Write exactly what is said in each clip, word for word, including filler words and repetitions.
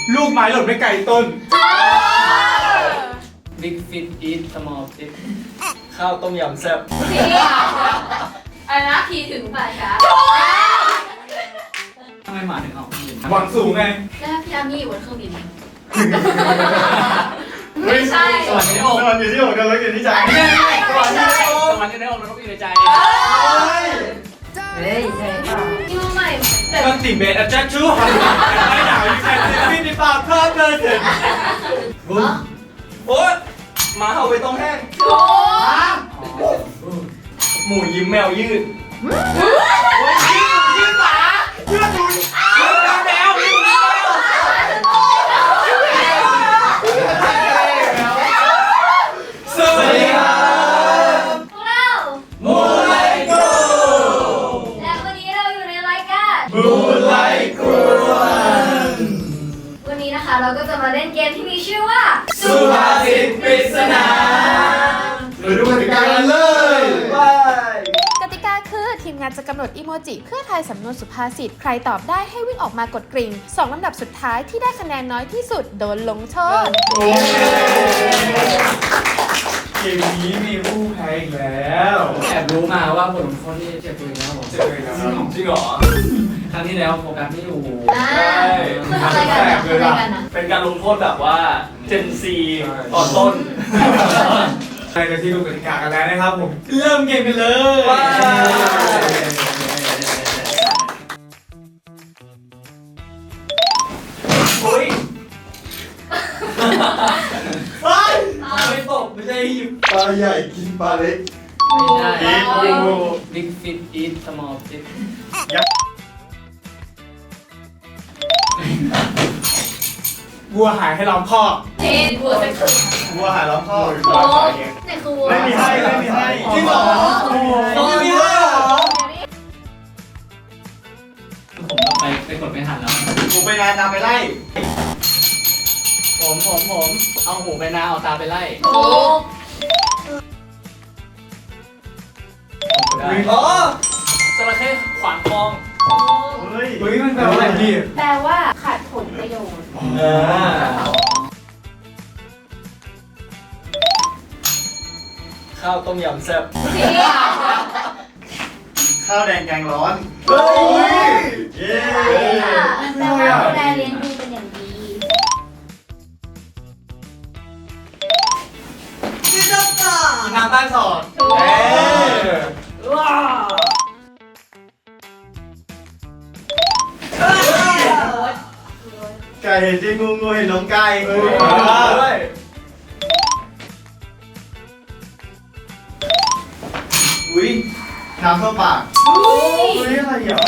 ลูกไม้หล่นไม่ไกลต้น Big Fish Eat Small Fish ข้าวต้มยำแซ่บทีอันนะทีถึงป่าช้าทำไมหมาถึงออกมาหวังสูงไงแล้วพี่อามี่อยู่บนเครื่องบินไม่ใช่สวรรค์อยู่ในอกสวรรค์อยู่ที่อกกันแล้วอยู่ที่ใจไม่ใช่ไม่ใช่สวรรค์อยู่ในอกแล้วก็อยู่ในใจเฮ้ยใช่ป่ะที่มาใหม่แบบก็ติเบตอาจารย์ชูไม่หนาวอยู่แค่ที่นี่ป่าเพิ่มเลยเถิดโอ๊ยหมาเห่าไปตรงแห้งโอ้หมูยิ้มแมวยืดยืดหมายืดดุนยืดแมวยืดแมวสวัสดีครับพวกเรามูไลโกและวันนี้เราอยู่ในรายการมูไลโกวันนี้นะคะเราก็จะมาเล่นเกมที่มีชื่อว่าสุภาษิตปริศนาเราดูกติกากันเลยกติกาคือทีมงานจะกำหนดอีโมจิเพื่อทายสำนวนสุภาษิตใครตอบได้ให้วิ่งออกมากดกริ่งสองลำดับสุดท้ายที่ได้คะแนนน้อยที่สุดโดนลงโทษเกมนี้มีผู้แพ้อีกแล้วแอบรู้มาว่าบทลงโทษที่เจ็บตัวเองนะครับผมเจอเลยครับจริงเหรอ ครั้งที่แล้วโฟกัสไม่อยู่อ่าคือทำอะไรกันอะทำอะไรกันอะเป็นการลงโทษแบบว่าเจนซีตอนต้นใครจะที่ดูกติกากันแล้วนะครับผมเริ่มเกมกันเลยว้าวเฮ้ยเฮ้ยไม่ตกไม่ใช่หยิบปลาใหญ่กินปลาเล็กไม่ใช่โอ้โห Big Fish Eat Small Fish วัวหายให้ล้อมคอกเพนบัวสักครึ่งวัวหายล้อมข้อโอ้นี่คือวัวไม่มีให้ไม่มีให้จริงเหรอโอ้โหไม่มีให้เหรอผมเราไปไปกดไม่ทันแล้วหมูไปนานนำไปไล่ผมผมผมเอาหูไปนาเอาตาไปไล่ถูกอ๋อจระเข้ขวางคลองเฮ้ยเฮ้ยมันแปลว่าอะไรพี่แปลว่าขาดผลประโยชน์อ่าข้าวต้มยำแซ่บทีข้าวแดงแกงร้อนเฮ้ยเย้แปลว่าดูแลเลี้ยงดูเป็นอย่างดีน้ำใต้สอดถูกเอ้ยว้าไก่เห็นจริงงูงูเห็นน้องไก่เฮ้ยด้วยอุ้ยน้ำเข้าปากอุ้ยอุ้ยอะไรอ่ะ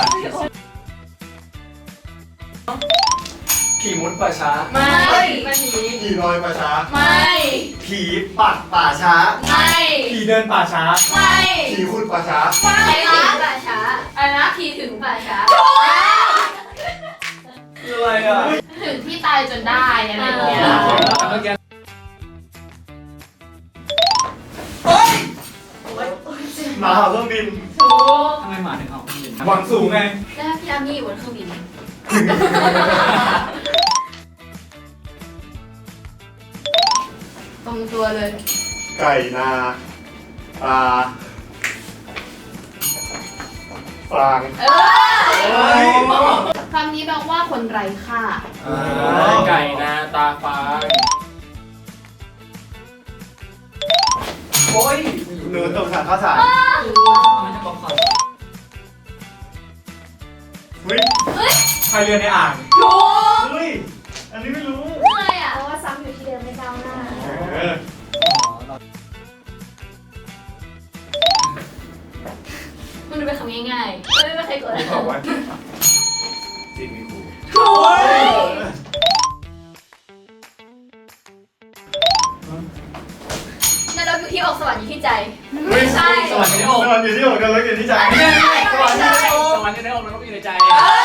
ผีมุดป่าช้าไม่ไม่ผีผีลอยป่าช้าไม่ผีปัดป่าช้าไม่ผีเดินป่าช้าไม่ผีขุดป่าช้าไม่ถึงป่าช้าอันนะทีถึงป่าช้าคืออะไรอ่ะถึงที่ตายจนได้อะไรอย่างเงี้ยเมื่อกี้หมาเห่าเครื่องบินถูกทำไมหมาถึงออกมายืนหวังสูงไงแล้วพี่อามี่อยู่บนเครื่องบิน ตรงตัวเลยไก่นาปลาฟางเออคำนี้แปลว่าคนไร้ค่าไก่นาตาฟ้าโอ้ยหนูตกถังข้าวสารมันจะบอกความอุ้ยใครเรือในอ่างถูกเฮ้ยอันนี้ไม่รู้อะไรอ่ะเพราะว่าซ้ำอยู่ที่เดิมไม่ก้าวหน้าเออมันดูเป็นคำง่ายๆไม่ไม่เคยกดบอกว่าจิตมีครูถูกนรกอยู่ที่อกสวรรค์อยู่ที่ใจ ไม่ใช่สวรรค์อยู่ในอกสวรรค์อยู่ที่อกกันแล้วอยู่ที่ใจไม่ใช่ไม่ใช่สวรรค์อยู่ในอกแล้วก็อยู่ในใจ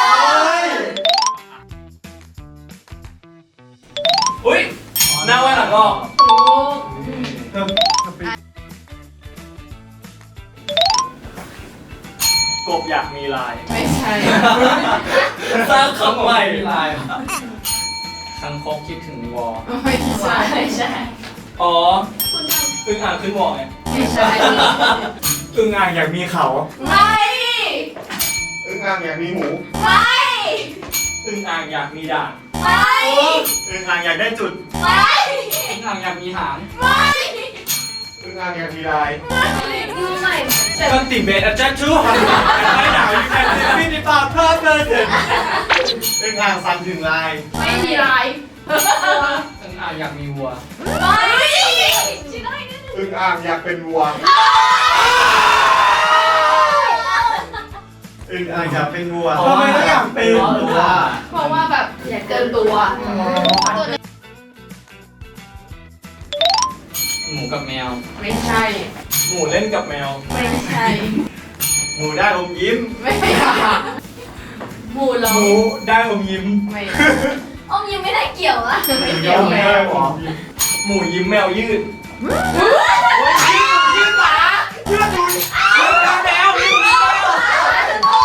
อุ้ยหน้าไว้หลังก็ถูกเพิ่มกบอยากมีลายไม่ใช่สร้างคำใหม่ลายขคังคกคิดถึงวอไม่ใช่ไม่ใช่อ๋อคุณทอึ่งอ่างขึ้นวอไงำไม่ใช่อึ่งอ่างอยากมีเขาไม่อึ้งอ่างอยากมีหมูไม่อึ่งอ่างอยากมีด่างไม่อึ่งอ่างอยากได้จุดไม่อึ่งอ่างอยากมีหางไม่อึ้งอ่างอยากมีลายมือใหม่แต่กันติเบตอาจารย์ชูไม่หนาวอยู่แค่นี้พี่ปากเพลิดเพลินอึ่งอ่างสั่นถึงลายไม่มีลายอึ่งอ่างอยากมีวัวไม่ชิได้นิดนึงอึ้งอ่างอยากเป็นวัวอึ่งอ่างอยากเป็นวัวทำไมต้องอยากเป็นวัวเพราะว่าแบบอยากเกินตัวตัวนึงหมูกับแมวไม่ใช่หมูเล่นกับแมวไม่ใช่หมูได้อมยิ้มไม่ใช่หมูลหมูได้อมยิ้มไม่อมยิ้มไม่ได้เกี่ยวอะไม่เกี่ยยวอมแมได้วหรอหมูยิ้มแมวยืดยืดหมายืดดูยืดแมวยืดแมว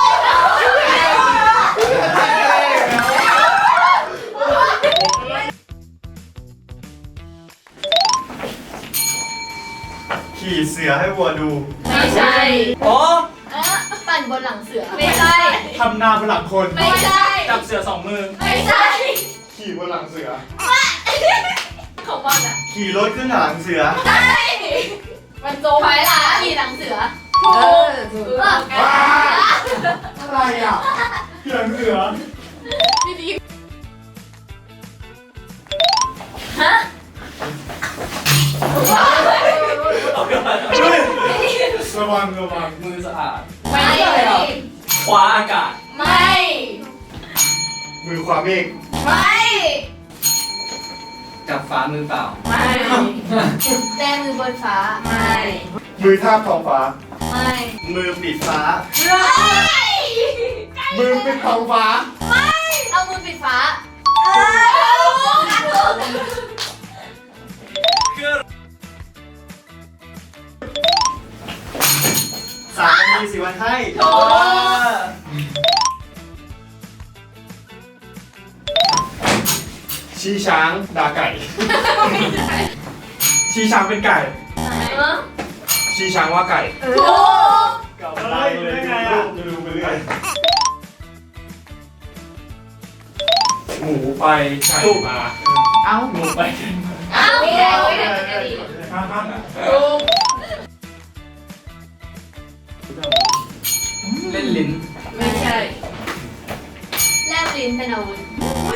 ขี่เสือให้วัวดูไม่ใช่อ๋อเออปั่นบนหลังเสือไม่ใช่ทำนาบนหลังคนไม่ใช่จับเสือสองมือไม่ใช่ขี่บนหลังเสือของมันอะขี่รถขึ้นหลังเสือใช่มันโจมถอยหลังขี่หลังเสือถูกถูกอะไรอ่ะขี่หลังเสือฮะระวังระวังมือสะอาดไม่คว้าอากาศไม่มือขวาเมฆไม่จับฟ้ามือเปล่าไม่แต้มือบนฟ้าไม่มือทาบท้องฟ้าไม่มือปิดฟ้ามือปิดท้องฟ้าไม่เอามือปิดฟ้าสามนาทีสิวันให้ชี้ช้างด่าไก่ชี้ช้างเป็นไก่ชี้ช้างว่าไก่ถูกเก่าได้เลยไงอ่ะจะดูไปเรื่อยหมูไปไก่มาเอ้าหมูไปอ้าวไม่ได้ไม่ได้ไม่ได้ ถูกเล่นลิ้นไม่ใช่แลบลิ้นเป็นอาวุธ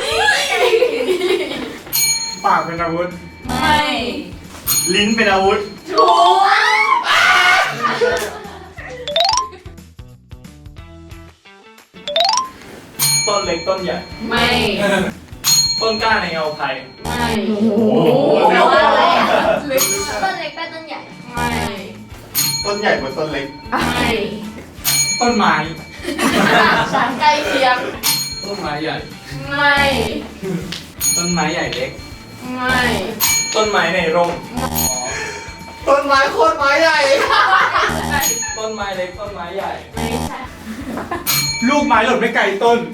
ปากเป็นอาวุธไม่ลิ้นเป็นอาวุธถูกต้นเล็กต้นใหญ่ไม่ต้นกล้าในเงาไผ่ไม่โอ้โหแปลเร็วว่าอะไรมากอะต้นเล็กใต้ต้นใหญ่ ไม่ต้นใหญ่กว่าต้นเล็กไม่ต้นไม้ฉันใกล้เคียงต้นไม้ใหญ่ไม่ต้นไม้ใหญ่เล็กไม่ต้นไม้ในร่มต้นไม้โคตรไม้ใหญ่ต้นไม้เล็กต้นไม้ใหญ่ไม่ใช่ลูกไม้หล่นไม่ไกลต้น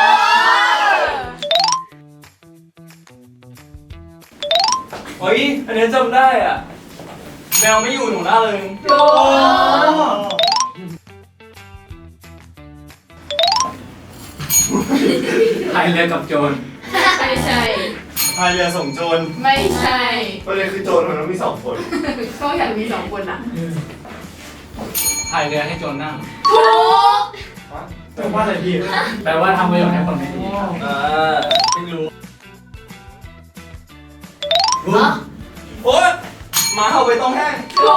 เฮ้ย อันนี้จำได้อ่ะ แมวไม่อยู่หนูล่าเลยถูกพายเรือกับโจรไม่ใช่พายเรือส่งโจรไม่ใช่ประเด็นคือโจรมันต้องมีสองคนก็อยากมีสองคนอ่ะพายเรือให้โจรนั่งถูกแปลว่าอะไรพี่แปลว่าทำประโยชน์ให้คนไม่ดีครับเออไม่รู้โอ๊ยหมาเห่าไปตรงแห้งถู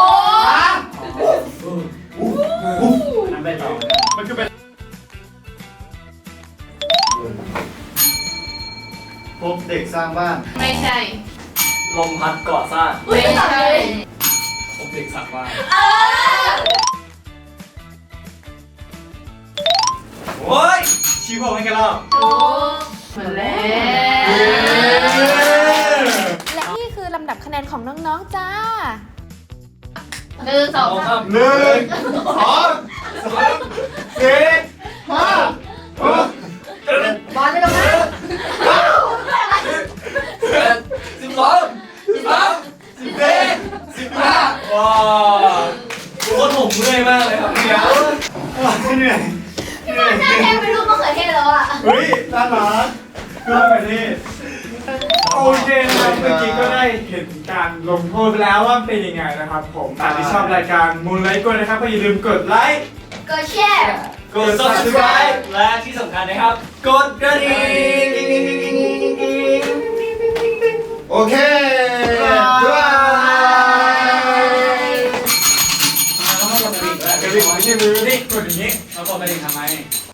กนั่นไปต่อมันคือเป็นพบเด็กสร้างบ้านไม่ใช่ลมพัดก่อสร้างไม่ใช่ผมเด็กสักว่าเออโอ๊ยชี้ผมให้กันแล้วถูกเหมือนแล้วและนี่คือลำดับคะแนนของน้องๆจ้าหนึ่งสองสามหนึ่งสองสามสี่ห้าหกบอลไม่ลงนะเก้าหน้าแทนเป็นรูปมะเขือเทศแล้วอ่ะเฮ้ยน่ารักก็แบบนี้โอเคนะครับเมื่อกี้ก็ได้เห็นการลงโทษไปแล้วว่าเป็นยังไงนะครับผมใครที่ชอบรายการมูนไลท์กดนะครับก็อย่าลืมกดไลค์ก็แช่กด subscribe และที่สำคัญนะครับ กดกระดิ่งโอเคบ๊ายบายต้องกดกระดิ่งด้วยกระดิ่งไม่ใช่มือนี่กดอย่างนี้แล้วกดกระดิ่งทำไม